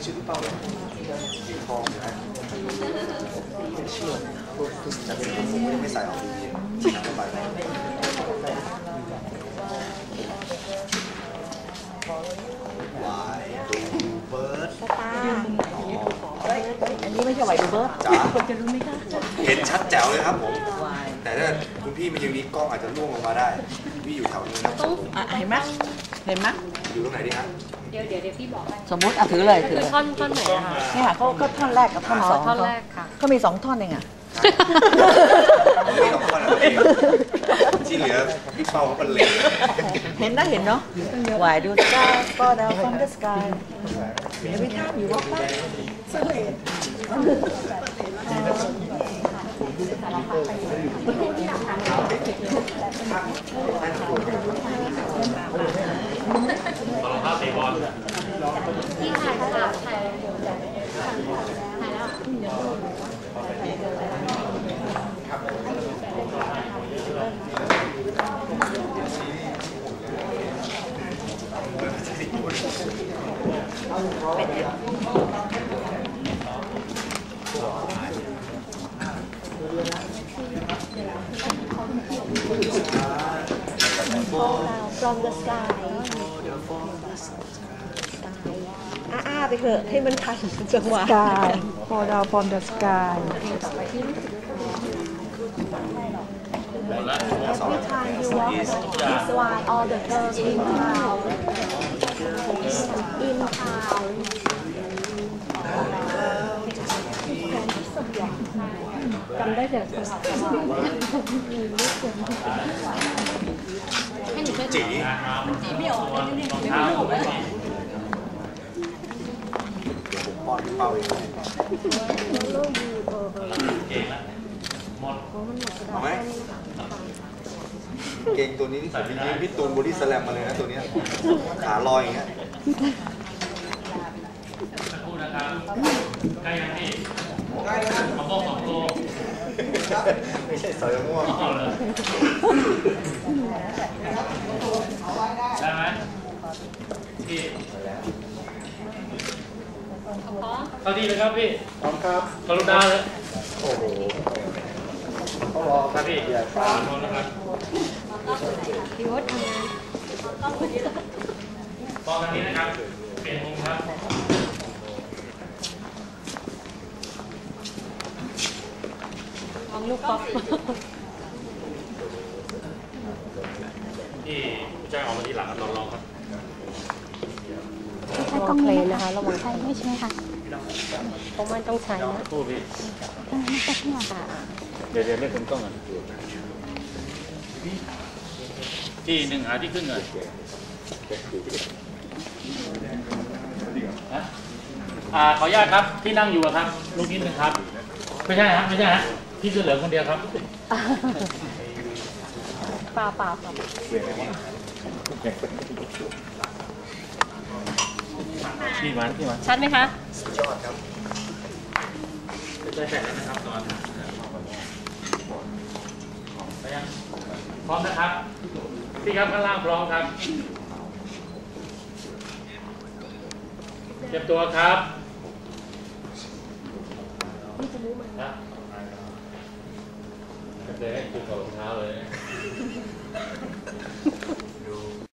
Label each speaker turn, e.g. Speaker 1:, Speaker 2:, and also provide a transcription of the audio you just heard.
Speaker 1: ชื่อพี่เป้าเลยสีทองนะเชื่อจะเป็นผมไม่ใส่ออกดีน้ำระบายวายดูเบิร์ด
Speaker 2: ตาอันนี้ไม่ใช่ไหวดูเบิร์ดคนจะรู้ไหมคะ
Speaker 1: เห็นชัดแจ๋วเลยครับผมแต่ถ้าคุณพี่มายืนนี้กล้องอาจจะล่วงลงมาได้พี่อยู่แถวนี้นะ
Speaker 2: เห็นไหมเห็นไหม
Speaker 1: อยู่ตรงไหนดีฮะ
Speaker 3: เดี๋ยวพี่บอก
Speaker 2: สมมติถือเลยถือ
Speaker 3: ท่อนไหนคะ
Speaker 2: เนี่ยเขาก็ท่อนแรกกับท่อนสอง
Speaker 3: ท่อนแรกค่ะ
Speaker 2: เขามี2ท่อนเองอ่ะ
Speaker 1: ไม่ต้องท่อนอะไรที่เหลือพี่เป้าเขาเป็นเล็ก
Speaker 2: เห็นนะเห็นเนาะวายดูสกายก็ดาวฟอมเดอะสกายevery time you walk by
Speaker 4: ภาพเตะบอล
Speaker 3: ที่ถ่ายแล้วfrom the sky ไปเถอะให้มันทันจังหวะ
Speaker 2: sky fall down from the sky
Speaker 3: Every time you walk this why all the girls in townจำได้แต่
Speaker 1: จี
Speaker 3: ไม่ออกไม่ออก
Speaker 1: ป้อนเป้าเองเอาไหมเก่งตัวนี้ที่ผมยิงพี่ตูนบอดี้สแลมมาเลยนะตัวนี้ขาลอยอย่างเงี้ย
Speaker 4: พูดนะครับใกล้ยังพี่มะม่วง2 โล
Speaker 1: ไม่ใช่สอยมะม่วง
Speaker 4: ได้ไหมพี่เข้าที่เลยครับพี่
Speaker 1: พร้อมครับ
Speaker 4: กรุณาเลย
Speaker 1: โอ้โห
Speaker 4: เขารอครับพี่พร้อมนะครับ
Speaker 3: พี่วุฒิทำงาน
Speaker 4: ตอนนี้นะครับเปลี่ยนมุมครับ
Speaker 3: ทำลูกป๊อป
Speaker 4: ที่ผู้จ้างออกมาทีหลังครับลองครับ
Speaker 3: ใช้กล้องเลยนะคะระวังใช้ไม่ใช่ค่ะเพราะมันต้องใช้นะ
Speaker 4: พูดพี่
Speaker 3: ไม่ใช่ที่มา
Speaker 4: เดี๋ยวเล่นเป็นกล้องก่อนที่1หาที่ขึ้นก่อนขออนุญาตครับที่นั่งอยู่ครับลูกนิดนึงครับไม่ใช่ฮะไม่ใช่ฮะพี่เสื้อเหลืองคนเดียวครับ
Speaker 3: เปล่าครับ
Speaker 4: พี่มัน
Speaker 3: ชัดไหมคะ
Speaker 1: สุดยอดครับ
Speaker 4: ได้แต่แล้วนะครับตอนพร้อมนะครับพี่ครับข้างล่างพร้อมครับเตรียมตัวครับเลยให้คุณถอดรองเท้าเลย